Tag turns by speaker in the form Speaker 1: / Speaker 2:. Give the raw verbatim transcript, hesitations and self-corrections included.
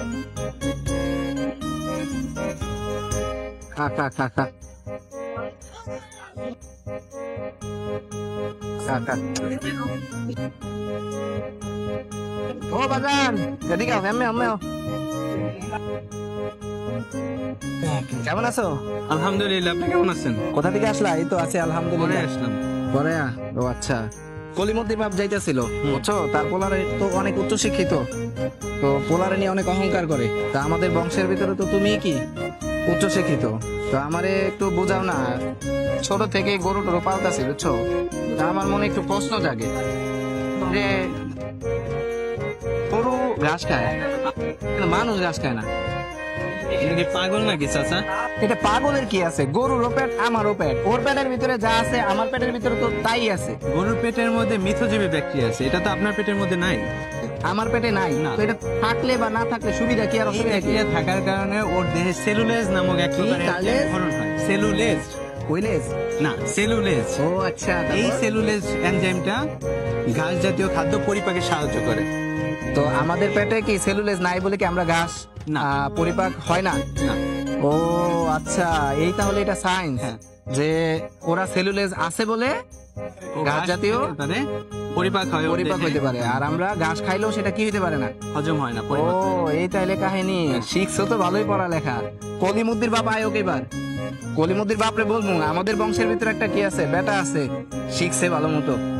Speaker 1: খা খা খা খা খা খা ও বাজান এদিকে আও এমএ এমএ কেমন আছো?
Speaker 2: আলহামদুলিল্লাহ, আপনি কেমন আছেন?
Speaker 1: কোথা থেকে আসলা? এই তো আছে
Speaker 2: পরে
Speaker 1: আলহামদুলিল্লাহ।
Speaker 2: আসলাম।
Speaker 1: পরে আ- ও আচ্ছা, কলিমদ্দির বাপ যাইতেছিল বুঝছো, তার পোলারে তো অনেক উচ্চ শিক্ষিত, তো পোলারে নিয়ে অনেক অহংকার করে। তা আমাদের বংশের ভিতরে তো তুমি কি উচ্চ শিক্ষিত, তো আমারে একটু বোঝাও না। ছোট থেকে গরু টরু পালতাছি বুঝছো, তা আমার মনে একটু প্রশ্ন জাগে যে গরু ঘাস খায় কিন্তু মানুষ ঘাস খায় না,
Speaker 2: আপনি কি পাগল নাকি চাচা?
Speaker 1: এটা পাগলের কি আছে? গরুরও পেট আমারও পেট, ওর পেটের ভিতরে যা আছে আমার পেটের ভিতরে তো তাই আছে।
Speaker 2: গরুর পেটের মধ্যে মিথজীবী ব্যাকটেরিয়া আছে, এটা তো আপনার পেটের মধ্যে নাই।
Speaker 1: আমার পেটে নাই
Speaker 2: না।
Speaker 1: তো এটা থাকলে বা না থাকলে সুবিধা কি আর
Speaker 2: এই
Speaker 1: অসুবিধা কি?
Speaker 2: ব্যাকটেরিয়া থাকার কারণে ওর দেহে সেলুলেজ নামক এক প্রকারের
Speaker 1: কালেজ?
Speaker 2: ক্ষরণ হয়। সেলুলেজ
Speaker 1: কইলেস?
Speaker 2: না, সেলুলেজ।
Speaker 1: ও আচ্ছা,
Speaker 2: এই
Speaker 1: তারপর?
Speaker 2: সেলুলেজ এনজাইমটা ঘাস জাতীয় খাদ্য পরিপাকে সাহায্য করে।
Speaker 1: তো আমাদের পেটে কি সেলুলেজ নাই বলে কি আমরা ঘাস
Speaker 2: না।
Speaker 1: আহ, পরিপাক হয় না?
Speaker 2: না,
Speaker 1: ও আচ্ছা, এই তাহলে এটা সায়েন্স
Speaker 2: হ্যাঁ।
Speaker 1: যে ওরা সেলুলেজ আছে বলে
Speaker 2: ও
Speaker 1: ঘাস জাতীয়
Speaker 2: খেতে পারে, পরিপাক হয় ওর
Speaker 1: পরিপাক
Speaker 2: দেহে।
Speaker 1: হইতে পারে, আর আমরা ঘাস খাইলেও সেটা কি হইতে পারে না।
Speaker 2: হজম হয় না,
Speaker 1: ও
Speaker 2: পরিপাক হয় না।
Speaker 1: এই তাইলে কাহিনী, শিখছো তো ভালোই পড়ালেখা। কলিমুদ্দির বাপ আয়োগ এবার, কলিমুদ্দির বাপরে বলবো আমাদের বংশের ভিতরে একটা কি আছে, বেটা আছে, শিখছে ভালো মতো।